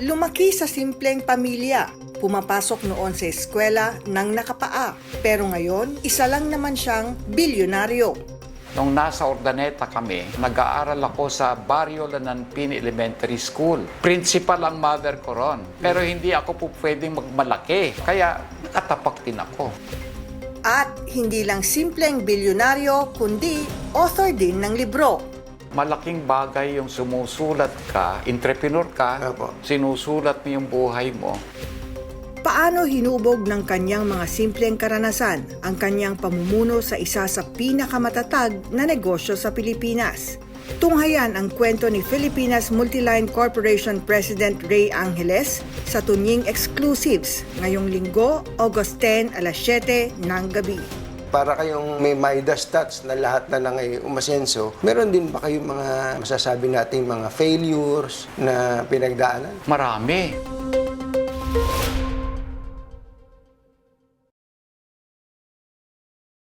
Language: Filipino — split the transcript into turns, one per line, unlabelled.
Lumaki sa simpleng pamilya. Pumapasok noon sa eskwela ng nakapaa. Pero ngayon, isa lang naman siyang bilyonaryo.
Nung nasa Urdaneta kami, nag-aaral ako sa Barrio Lananpin Elementary School. Principal ang mother ko ron. Pero hindi ako po pwedeng magmalaki. Kaya nakatapak din ako.
At hindi lang simpleng bilyonaryo, kundi author din ng libro.
Malaking bagay yung sumusulat ka, entrepreneur ka, sinusulat mo yung buhay mo.
Paano hinubog ng kanyang mga simpleng karanasan ang kanyang pamumuno sa isa sa pinakamatatag na negosyo sa Pilipinas? Tunghayan ang kwento ni Filipinas Multiline Corporation President Ray Angeles sa Tunying Exclusives ngayong Linggo, August 10, alas 7 ng gabi.
Para kayong may Midas touch na lahat na lang ay umasenso, meron din ba kayong mga masasabi nating mga failures na pinagdaanan?
Marami.